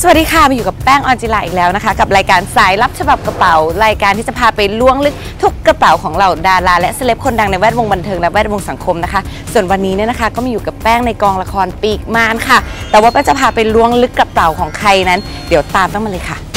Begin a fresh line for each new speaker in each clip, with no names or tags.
สวัสดีค่ะมาอยู่กับแป้งออนจิลาอีกแล้วนะคะกับรายการสายลับฉบับกระเป๋ารายการที่จะพาไปล้วงลึกทุกกระเป๋าของเหล่าดาราและเซเลบคนดังในแวดวงบันเทิงและแวดวงสังคมนะคะส่วนวันนี้เนี่ยนะคะก็มาอยู่กับแป้งในกองละครปีกมารค่ะแต่ว่าแป้งจะพาไปล้วงลึกกระเป๋าของใครนั้นเดี๋ยวตามแป้งมาเลยค่ะ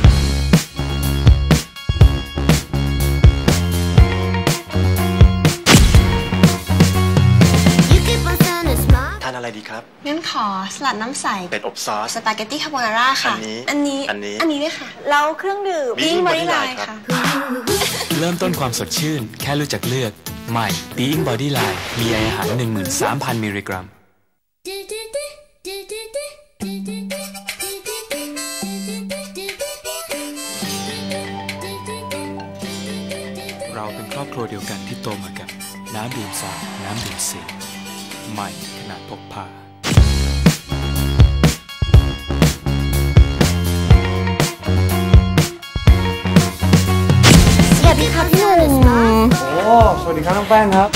ทานอะไรดีครับ
งั้นขอสลัดน้ำใส
เป็ดอบซอส
สปาเกตตี้คาโบนาร่าค่ะอันนี้ด้วยค่ะแล้วเครื่องดื่มBeing Body Line ค่ะ
เริ่มต้นความสดชื่นแค่รู้จักเลือกใหม่ Being Body Line มีอาหาร 13,000 มิลลิกรัมเราเป็นครอบครัวเดียวกันที่โตมากับน้ำดื่มสาน้ำดื่มสิงใหม่ขนาดพกพา
สวัสดีครับพี่หนุ่ม
โอ้สวัสดีครับน้องแป้งครับ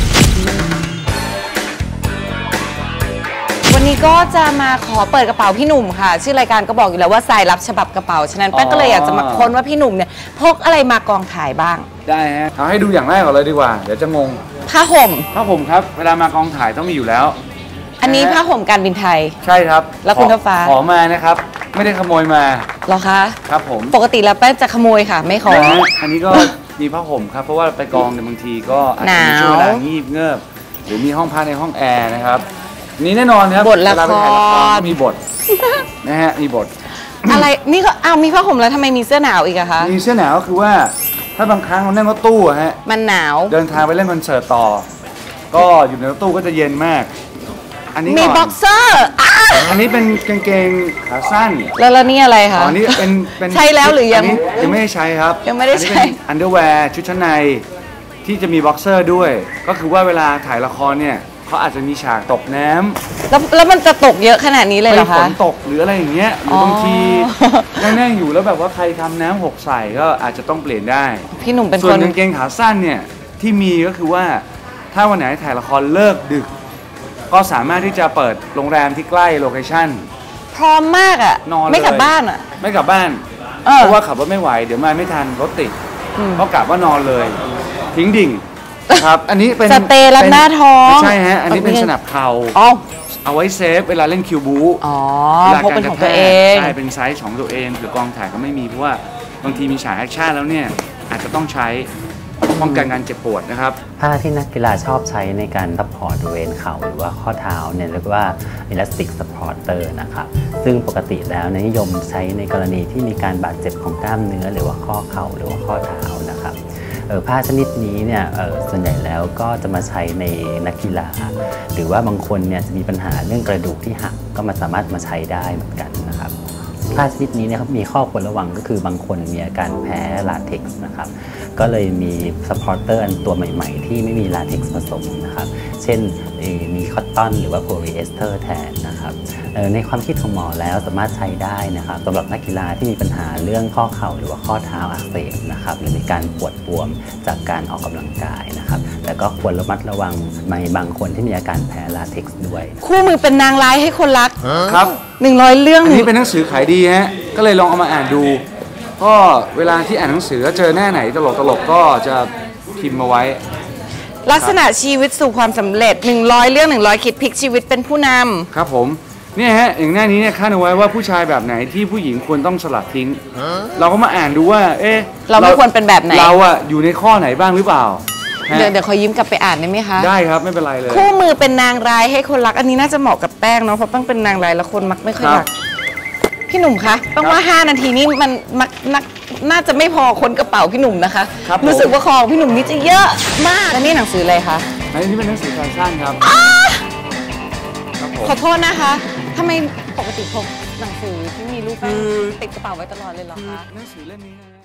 วันนี้ก็จะมาขอเปิดกระเป๋าพี่หนุ่มค่ะชื่อรายการก็บอกอยู่แล้วว่าสายลับฉบับกระเป๋าฉะนั้นแป้งก็เลยอยากจะมาค้นว่าพี่หนุ่มเนี่ยพกอะไรมากองถ่ายบ้าง
ได้ฮะเอาให้ดูอย่างแรกก่อนเลยดีกว่าเดี๋ยวจะงง
ผ้าห่ม
ครับเวลามากองถ่ายต้องมีอยู่แล้ว
อันนี้ผ้าห่มการบินไทย
ใช่ครับ
แล้วคุณฟ้า
ขอมานะครับไม่ได้ขโมยมา
หรอคะ
ครับผม
ปกติแล้วแป้งจะขโมยค่ะไม่ขอ
อันนี้ก็มีผ้าห่มครับเพราะว่าไปกองในบางทีก็อาจจะมีช่วงเวลางีบเงือบหรือมีห้องพักในห้องแอร์นะครับนี่แน่นอนครับ
บทละคร
มีบทนะฮะมีบท
อะไรนี่ก็มีผ้าห่มแล้วทำไมมีเสื้อหนาวอีกอะคะ
มีเสื้อหนาวก็คือว่าถ้าบางครั้งเรานั่งรถตู้ฮะ
มันหนาว
เดินทางไปเล่นคอนเสิร์ตต่อก็อยู่ในรถตู้ก็จะเย็นมากอันนี้
มีบ็อกเซอร์
อันนี้เป็นกางเกงขาสั้น
แล้วนี่อะไรคะ
อันนี้เป็น
ใช้แล้วหรือยัง
ไม่ได้ใช้ครับ
ยังไม่ได้ใช้
อันเดอร์แวร์ชุดชั้นในที่จะมีบ็อกเซอร์ด้วยก็คือว่าเวลาถ่ายละครเนี่ยเขาอาจจะมีฉากตกน้ำ
แล้วมันจะตกเยอะขนาดนี้เลยเหรอคะ
ฝนตกหรืออะไรอย่างเงี้ยหรือบางทีนั่งอยู่แล้วแบบว่าใครทำน้ำหกใส่ก็อาจจะต้องเปลี่ยนได้
พี่หนุ่มเป็นคน
ส่วนกางเกงขาสั้นเนี่ยที่มีก็คือว่าถ้าวันไหนถ่ายละครเลิกดึกก็สามารถที่จะเปิดโรงแรมที่ใกล้โลเคชั่น
พร้อมมากอ่ะ
นอน
ไม่กลับบ้านอ่ะ
ไม่กลับบ้านเพราะว่าขับรถไม่ไหวเดี๋ยวมาไม่ทันรถติดก็กลับว่านอนเลยทิ้งดิ่งครับอันนี้เป็น
สเตย์รับหน้าท้อง
ใช่ฮะอันนี้เป็นสนับเข่าเอาไว้เซฟเวลาเล่นคิวบู
พกเป็นของตัวเอง
ใช่เป็นไซส์ของตัวเองหรือกองถ่ายก็ไม่มีเพราะว่าบางทีมีฉากแอคชั่นแล้วเนี่ยอาจจะต้องใช้ป้องกันการเจ็บปวดนะครับ
ผ้าที่นักกีฬาชอบใช้ในการซัพพอร์ตบริเวณเข่าหรือว่าข้อเท้าเนี่ยเรียกว่า elastic supporter นะครับซึ่งปกติแล้วนิยมใช้ในกรณีที่มีการบาดเจ็บของกล้ามเนื้อหรือว่าข้อเข่าหรือว่าข้อเท้านะครับผ้าชนิดนี้เนี่ยส่วนใหญ่แล้วก็จะมาใช้ในนักกีฬาหรือว่าบางคนเนี่ยจะมีปัญหาเรื่องกระดูกที่หักก็สามารถมาใช้ได้เหมือนกันนะครับผ้าชนิดนี้เนี่ยมีข้อควรระวังก็คือบางคนมีอาการแพ้ลาเท็กซ์นะครับก็เลยมีซัพพอร์เตอร์อันตัวใหม่ๆที่ไม่มีลาเท็กซ์ผสมนะครับเช่นมีคอตตอนหรือว่าโพลีเอสเตอร์แทนนะครับในความคิดของหมอแล้วสามารถใช้ได้นะครับสำหรับนักกีฬาที่มีปัญหาเรื่องข้อเข่าหรือว่าข้อเท้าอักเสบนะครับหรือมีการปวดบวมจากการออกกำลังกายนะครับแต่ก็ควรระมัดระวังในบางคนที่มีอาการแพ้ลาเท็กซ์ด้วย
คู่มือเป็นนางร้ายให้คนรัก
ครับ
100 เรื่อง
อันนี้เป็นหนังสือขายดีฮะก็เลยลองเอามาอ่านดูก็เวลาที่อ่านหนังสือเจอหน้าไหนตลกก็จะพิมพ์มาไว้
ลักษณะชีวิตสู่ความสำเร็จ100 เรื่อง100คิดพลิกชีวิตเป็นผู้นำ
ครับผมเนี่ยฮะอย่างหน้านี้เนี่ยคาดเอาไว้ว่าผู้ชายแบบไหนที่ผู้หญิงควรต้องสลัดทิ้งเราก็มาอ่านดูว่า
เราไม่ควรเป็นแบบไหน
เราอะอยู่ในข้อไหนบ้างหรือเปล่า
เดี๋ยวขอยิ้มกลับไปอ่านได้ไหมคะ
ได้ครับไม่เป็นไรเลย
คู่มือเป็นนางร้ายให้คนรักอันนี้น่าจะเหมาะกับแป้งเนาะเพราะแป้งเป็นนางร้ายแล้วคนมักไม่ค่อยรักพี่หนุ่มคะแป้งว่า5 นาทีนี้มันน่าจะไม่พอคนกระเป๋าพี่หนุ่มนะคะรู้สึกว่าของพี่หนุ่มนี่จะเยอะมากแล้วนี่หนังสืออะไรคะ
อันนี้เป็นหนังสือแฟชั่นครับ
ขอโทษนะคะทำไมปกติพกหนังสือที่มีรูปแป้งติดกระเป๋าไว้ตลอดเลยเหรอคะ
หนังสือเล่มนี้นะ